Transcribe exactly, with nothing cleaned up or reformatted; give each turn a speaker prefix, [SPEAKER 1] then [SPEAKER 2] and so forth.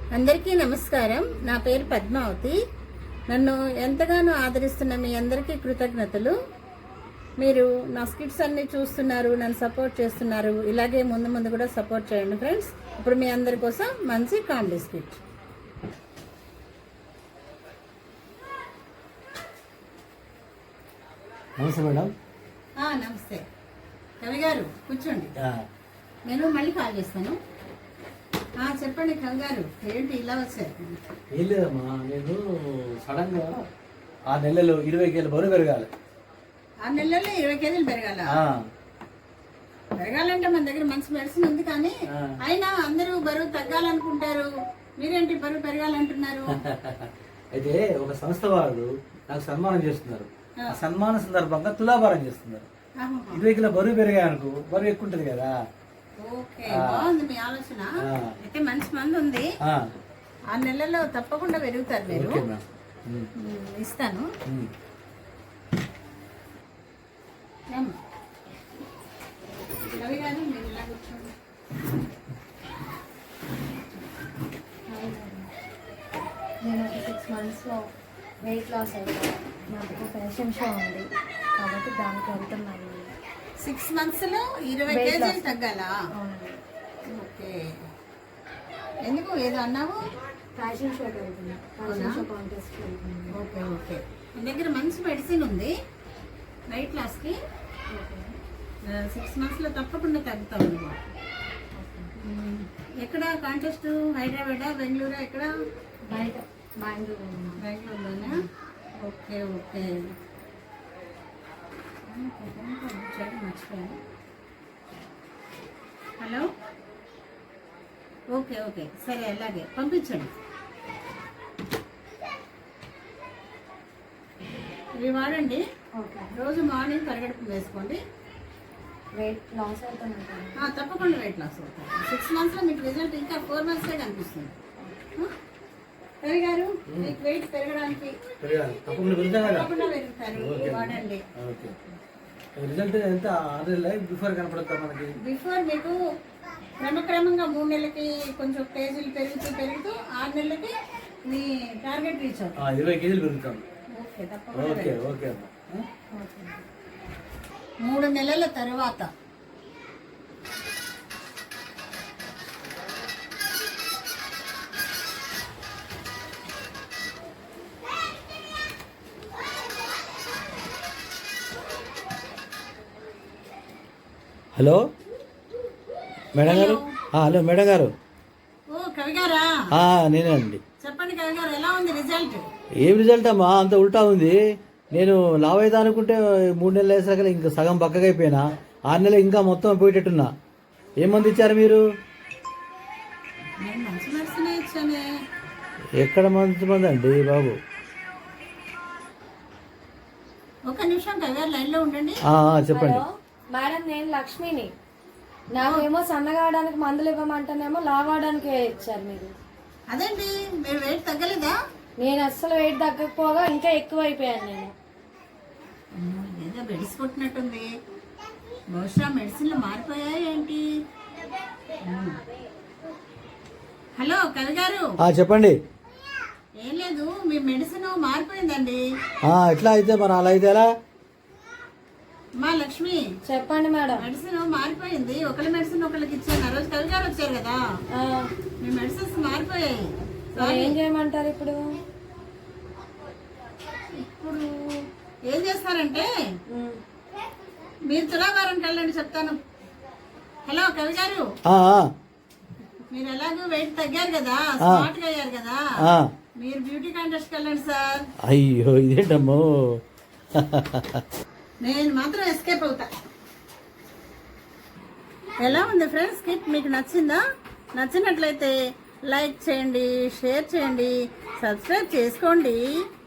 [SPEAKER 1] అందరికీ నమస్కారం. నా పేరు పద్మావతి. నన్ను ఎంతగానో ఆదరిస్తున్న మీ అందరికీ కృతజ్ఞతలు. మీరు నా స్కిట్స్ అన్ని చూస్తున్నారు, నన్ను సపోర్ట్ చేస్తున్నారు. ఇలాగే ముందు ముందు కూడా సపోర్ట్ చేయండి ఫ్రెండ్స్. ఇప్పుడు మీ అందరి కోసం మంచి కామెడీ స్కిట్.
[SPEAKER 2] నమస్తే మేడం.
[SPEAKER 1] నమస్తే కవి గారు, కూర్చోండి. నేను మళ్ళీ కాల్ చేస్తాను. చెప్పండి కవి గారు, ఏంటి ఇలా వచ్చారు?
[SPEAKER 2] ఏం లేదమ్మా, నేను సడన్ గా ఆ నెలలో ఇరవై కేజీలు బరువు పెరగాలి.
[SPEAKER 1] ఆ నెలలో ఇరవై కేజీలు పెరగాల? పెరగాలంటే మన దగ్గర మంచి మెడిసిన్ ఉంది, కానీ అయినా అందరూ బరువు తగ్గాలనుకుంటారు, మీరేంటి బరువు పెరగాలంటున్నారు?
[SPEAKER 2] అయితే ఒక సంస్థ వాళ్ళు నాకు సన్మానం చేస్తున్నారు. ఆ సన్మాన సందర్భంగా తులాభారం చేస్తున్నారు. ఇరవై కిలో బరువు పెరిగాయనుకో, బరువు ఎక్కువ ఉంటుంది కదా.
[SPEAKER 1] ఓకే, బాగుంది మీ ఆలోచన. అయితే మంచి మంది ఉంది, ఆ నెలలో తప్పకుండా పెరుగుతారు మీరు. ఇస్తాను. రవి గారు, మీరు ఇలా కూర్చోండి.
[SPEAKER 3] నేను ఒక సిక్స్ మంత్స్లో వెయిట్ లాస్ అయిపోయాను. నాకు ఫ్యాషన్ షో ఉంది కాబట్టి దానికి వెళ్తున్నాను.
[SPEAKER 1] సిక్స్ మంత్స్ లో ఇరవై కేజీలు తగ్గాలా? ఓకే, ఎందుకు ఏదో అన్నావు?
[SPEAKER 3] ఫ్యాషన్ షోకి వెళ్తున్నా, ఫ్యాషన్ షో కాంటెస్ట్ వెళ్తున్నా.
[SPEAKER 1] ఓకే ఓకే, మీ దగ్గర మంచి మెడిసిన్ ఉంది వెయిట్ లాస్కి. సిక్స్ మంత్స్లో తప్పకుండా తగ్గుతాం అన్నమాట. ఎక్కడ కాంటెస్ట్? హైదరాబాదా, బెంగళూరా, ఎక్కడ?
[SPEAKER 3] బయట బెంగళూరు.
[SPEAKER 1] బెంగళూరులోనా? ఓకే ఓకే, మర్చిపోయాను. హలో, ఓకే ఓకే, సరే అలాగే పంపించండి. ఇవి వాడండి. రోజు మార్నింగ్ పరిగెడుపు వేసుకోండి.
[SPEAKER 3] వెయిట్ లాస్ అవుతాను.
[SPEAKER 1] తప్పకుండా వెయిట్ లాస్ అవుతారు. సిక్స్ మంత్స్లో మీకు రిజల్ట్ ఇంకా ఫోర్ మంత్సే కనిపిస్తుంది. రవి గారు, మీకు వెయిట్ పెరగడానికి తప్పకుండా పెరుగుతారు, వాడండి.
[SPEAKER 2] రిజల్ట్ ఎంత? బిఫోర్ కనపడతా మనకి?
[SPEAKER 1] బిఫోర్ మీకు క్రమక్రమంగా మూడు నెలలకి కొంచెం కేజీలు పెరుగుతూ పెరుగుతూ ఆరు నెలలకి మీ టార్గెట్ రీచ్ అవుతుంది.
[SPEAKER 2] ఇరవై కేజీలు పెరుగుతాం.
[SPEAKER 1] ఓకే, తప్పకుండా.
[SPEAKER 2] Okay okay.
[SPEAKER 1] మూడు నెలల తర్వాత
[SPEAKER 2] hello madam garu. Hello madam garu.
[SPEAKER 1] ఓ కవి గారా?
[SPEAKER 2] నేనే అండి.
[SPEAKER 1] చెప్పండి కవి గారు, ఎలా ఉంది రిజల్ట్?
[SPEAKER 2] ఏం రిజల్ట్ అమ్మా, అంత ఉల్టా ఉంది. నేను లావ్ అవుతా అనుకుంటే మూడు నెలలు వేసాక ఇంకా సగం పక్కగా అయిపోయినా. ఆరు నెలలు ఇంకా మొత్తం పోయేటట్టున్నా. ఏం మంది ఇచ్చారు మీరు?
[SPEAKER 1] మంచి మెడిసిన్ ఇచ్చానే.
[SPEAKER 2] ఎక్కడ మంచి మంది అండి బాబు?
[SPEAKER 1] ఒక నిమిషం కవి గారు లైన్ లో ఉండండి.
[SPEAKER 2] చెప్పండి
[SPEAKER 3] మేడం, నేను లక్ష్మిని. నాకేమో సన్నగావడానికి మందులు ఇవ్వమంటేనేమో లావడానికి ఇచ్చారు మీరు.
[SPEAKER 1] అదేంటి, మీరు వెయిట్ తగ్గలేదా?
[SPEAKER 3] నేను అస్సలు వెయిట్ తగ్గకపోగా ఇంకా ఎక్కువ అయిపోయాను నేను.
[SPEAKER 1] ఏదో బెడిసి కొట్టినట్టుంది. బహుశా మెడిసిన్లు మారిపోయాయి ఏంటి? హలో కవి గారు.
[SPEAKER 2] చెప్పండి.
[SPEAKER 1] ఏం లేదు, మీ మెడిసిన్ మారిపోయిందండి.
[SPEAKER 2] ఎట్లా అయితే మరి అలా అయితే ఎలా?
[SPEAKER 1] మా లక్ష్మి,
[SPEAKER 3] చెప్పండి మేడం.
[SPEAKER 1] మెడిసిన్ మారిపోయింది. ఒకళ్ళ మెడిసిన్ ఒకళ్ళకి ఇచ్చాను. ఆ రోజు కవి గారు వచ్చారు కదా, మీ మెడిసిన్స్ మారిపోయాయి.
[SPEAKER 3] ఏం చేయమంటారు ఇప్పుడు?
[SPEAKER 1] ఇప్పుడు ఏం చేస్తారంటే మీరు తులాభారానికి వెళ్ళండి, చెప్తాను. హలో కవి గారు, మీరు ఎలాగో వెయిట్ తగ్గారు కదా, స్మార్ట్ గా అయ్యారు కదా, మీరు బ్యూటీ కాంటెస్ట్ వెళ్ళండి సార్.
[SPEAKER 2] అయ్యో ఇదేంటమ్మో,
[SPEAKER 1] నేను మాత్రం ఎస్కేప్ అవుతా. ఎలా ఉంది ఫ్రెండ్స్ స్కిట్? మీకు నచ్చిందా? నచ్చినట్లయితే లైక్ చేయండి, షేర్ చేయండి, సబ్స్క్రైబ్ చేసుకోండి.